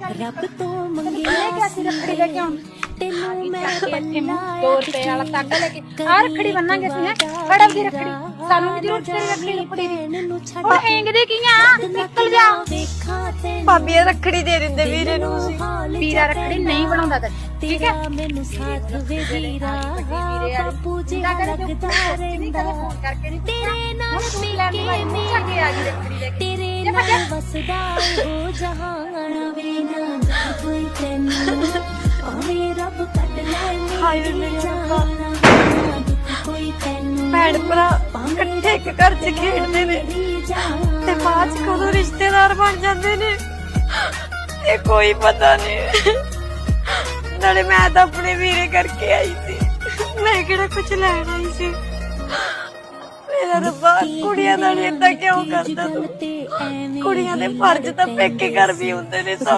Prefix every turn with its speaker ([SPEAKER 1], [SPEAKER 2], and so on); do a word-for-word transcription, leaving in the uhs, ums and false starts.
[SPEAKER 1] ਰੱਬ ਤੋਂ ਮੰਗਿਆ ਸੀ ਰੱਖੜੀ ਲੈ ਕੇ ਆਉਂ ਤੈਨੂੰ ਮੈਂ
[SPEAKER 2] ਦੋ ਰੁਪਏ ਵਾਲਾ ਤਾਗਾ ਲੈ ਕੇ ਆ ਰੱਖੜੀ ਬੰਨਾਂਗੇ ਅਸੀਂ ਹੈ ਫੜ ਆਪਦੀ ਰੱਖੜੀ ਸਾਨੂੰ ਵੀ ਜ਼ਰੂਰ ਤੇਰੀ ਰੱਖੜੀ ਲੱਪੜੀ ਦੀ ਉਹ ਹੈਂਗਦੇ ਕੀ ਆ ਨਿਕਲ ਜਾ
[SPEAKER 3] ਭਾਬੀ ਇਹ ਰੱਖੜੀ ਦੇ ਦਿੰਦੇ ਵੀਰੇ ਨੂੰ ਤੁਸੀਂ
[SPEAKER 2] ਵੀਰਾ ਰੱਖੜੀ ਨਹੀਂ ਬਣਾਉਂਦਾ ਤੇ ਠੀਕ ਹੈ
[SPEAKER 1] ਮੈਨੂੰ ਸਾਥ ਵੇ ਵੀਰਾ ਬਾਪੂ ਜੀ
[SPEAKER 2] ਨਾ ਕਰੇ
[SPEAKER 1] ਲੱਗਦਾ
[SPEAKER 2] ਨਹੀਂ ਕਦੇ ਫੋਨ ਕਰਕੇ ਨਹੀਂ
[SPEAKER 1] ਤੇਰੇ ਨਾਲ
[SPEAKER 2] ਪੀਕੇ ਨਹੀਂ ਚੱਕੇ ਆ ਗਈ ਰੱਖੜੀ ਲੈ ਕੇ
[SPEAKER 1] ਤੇਰੇ ਨਾਲ ਵਸਦਾ ਹੋ ਜਹਾਨ ਵੇ ਨਾ ਕੋਈ ਤੈਨੂੰ ਓਏ ਰੱਬ ਕੱਢ ਲੈ
[SPEAKER 3] ਹਾਏ ਮੇਰੇ ਰੱਬਾ
[SPEAKER 1] ਕੋਈ ਤੈਨੂੰ
[SPEAKER 3] ਭੈਣ ਭਰਾ ਇਕੱਠੇ ਇੱਕ ਘਰ 'ਚ ਖੇਡਦੇ ਨੇ ਤੇ ਬਾਅਦ 'ਚ ਕਦੋਂ ਰਿਸ਼ਤੇਦਾਰ ਬਣ ਜਾਂਦੇ ਨੇ ਇਹ ਕੋਈ ਪਤਾ ਨਹੀਂ। ਨਾਲੇ ਮੈਂ ਤਾਂ ਆਪਣੇ ਵੀਰੇ ਕਰਕੇ ਆਈ ਸੀ, ਮੈਂ ਕਿਹੜਾ ਕੁਝ ਲੈਣ ਆਈ ਸੀ। ਮੇਰਾ ਰੱਬਾ ਕੁੜੀਆਂ ਨਾਲ ਏਦਾਂ ਕਿਉਂ ਕਰਦਾ ਤੂੰ? ਕੁੜੀਆਂ ਦੇ ਫਰਜ਼ ਤਾਂ ਪੇਕੇ ਘਰ ਵੀ ਹੁੰਦੇ ਨੇ।